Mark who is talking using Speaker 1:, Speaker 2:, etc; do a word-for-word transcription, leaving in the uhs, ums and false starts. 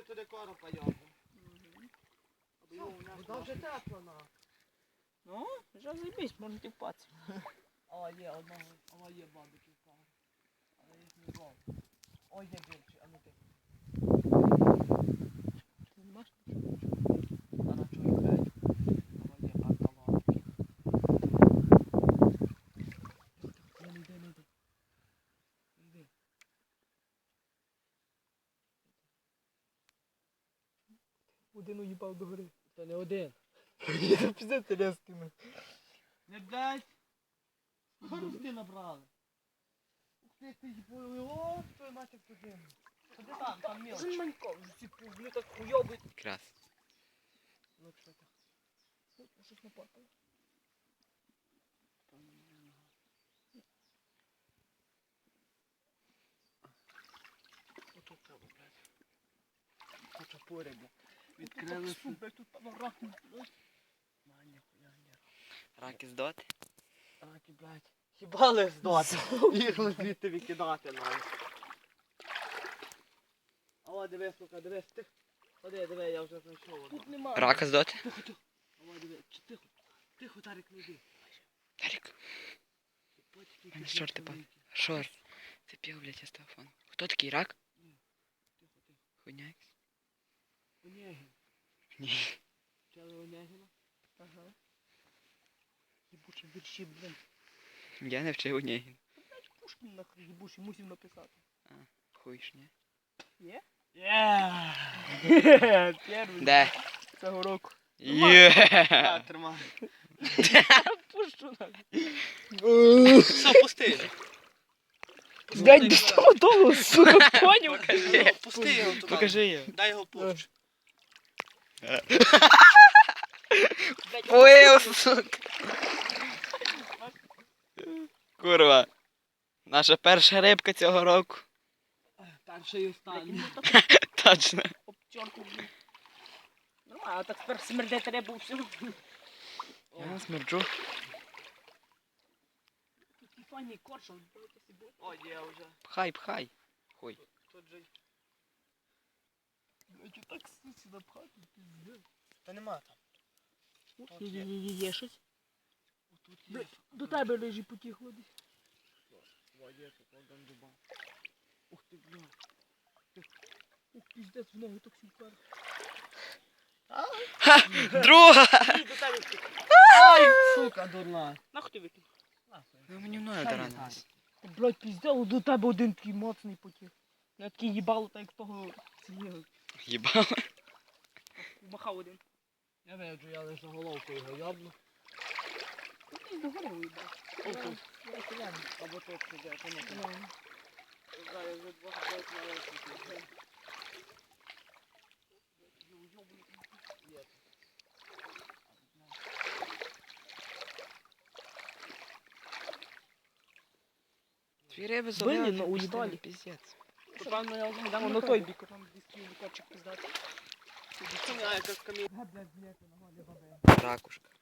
Speaker 1: туди коропа його.
Speaker 2: Вода вже тепла на.
Speaker 3: Ну, вже заїбись, можна тіпатися.
Speaker 2: А, є одного, а є бабики впали. Але їх не було. Ой, є більші, а ну ти.
Speaker 3: Ти не бачиш?
Speaker 2: А на чого грають? А є карталонки. Не йди, не йди. Йди.
Speaker 3: Один уїбав до гори.
Speaker 2: Це не один.
Speaker 3: Я піздець резкими.
Speaker 2: Не блядь. Скільки набрали? Ух ти, ти їбою, о, твою мать як подивно. Ходи там, там мілоч.
Speaker 3: Вже манько, вже ці вони так хуйобить.
Speaker 4: Крас.
Speaker 2: Ну, що так?
Speaker 3: Ой, щось напарпало.
Speaker 2: Ото поле, блядь. Ото поле, блядь. Відкрили
Speaker 3: Фу, блядь, тут поворот.
Speaker 2: Маня, хуя, ні.
Speaker 4: Раки здоти.
Speaker 2: Раки, блядь. Хіба ли здати? Їх звідти викидати навіть. О, дивись, сука, дивись, ти. Ходи, диви, я вже знайшов.
Speaker 3: Тут нема.
Speaker 4: Рака здоти.
Speaker 2: Тихо, тихо. О, диви, чи тихо. Тихо, Тарик, не йди.
Speaker 4: Тарік.
Speaker 2: Батьки,
Speaker 4: Мене
Speaker 2: ти
Speaker 4: шорти
Speaker 2: великі.
Speaker 4: падають. Шорт. Це пів, блядь, я з телефону. Хто такий рак?
Speaker 2: Тихо, тихо.
Speaker 4: Хуйня якась?
Speaker 2: Онегін.
Speaker 4: Ні.
Speaker 2: Чали Онегіна?
Speaker 3: Ага. Єбучі вірші, блін.
Speaker 4: Я не вчив у ній.
Speaker 3: Блядь, Пушкін нахуй єбучий, мусив написати.
Speaker 4: Хуй ж ні.
Speaker 3: Є?
Speaker 2: Є!
Speaker 3: Перший.
Speaker 4: Де?
Speaker 3: Цього року.
Speaker 4: Є.
Speaker 2: Тримай.
Speaker 3: Пущу нахуй.
Speaker 2: Все, пусти.
Speaker 3: Блядь, без того того, сука, поняв?
Speaker 4: Покажи.
Speaker 2: Пусти його туди.
Speaker 4: Покажи його.
Speaker 2: Дай його пущу.
Speaker 4: Ой, сука. Курва. Наша перша рибка цього року.
Speaker 2: Перший і останній.
Speaker 4: Точно.
Speaker 3: Обчорку, блін. Ну, а так тепер смердити рибу всю.
Speaker 4: Я не смерджу.
Speaker 3: Такий файний коршун, дивіться собі.
Speaker 2: О, є вже.
Speaker 4: Пхай, пхай. Хуй.
Speaker 2: Тут же.
Speaker 3: Блядь, так сусі напхати, пиздец.
Speaker 2: Та нема там.
Speaker 3: Є, є, є, є, є щось.
Speaker 2: Тут є.
Speaker 3: Блядь, до тебе лежить потіхло десь.
Speaker 2: О, є, тут один дуба.
Speaker 3: Ух ти, бля. Ух, пиздец, в ногу так сіпер.
Speaker 4: Друга!
Speaker 2: До тебе втік. Ай, сука, дурна.
Speaker 3: Нахуй ти викинь?
Speaker 4: Ну мені мною
Speaker 2: Хай
Speaker 4: таранилась.
Speaker 3: Та, блядь, пиздец, до тебе один такий моцний потіг. Я такий їбало, так як того цієї.
Speaker 4: Їбало.
Speaker 3: Махав один.
Speaker 2: Я виджу, я лише головку його йобну.
Speaker 3: Ну, ти до гори уїбав.
Speaker 2: О, тут. Або тут сиде, то не тут. Зараз вже два ходять на лесенці. Є.
Speaker 4: Дві риби
Speaker 3: Блін,
Speaker 4: залили.
Speaker 3: ну, уїбали.
Speaker 4: Піздець.
Speaker 3: Певно, я вже йдемо на той бік, там десь лікарчик пиздати.
Speaker 2: Це не, а, це з камінь. Блядь, блядь, нога не бабе.
Speaker 4: Ракушка.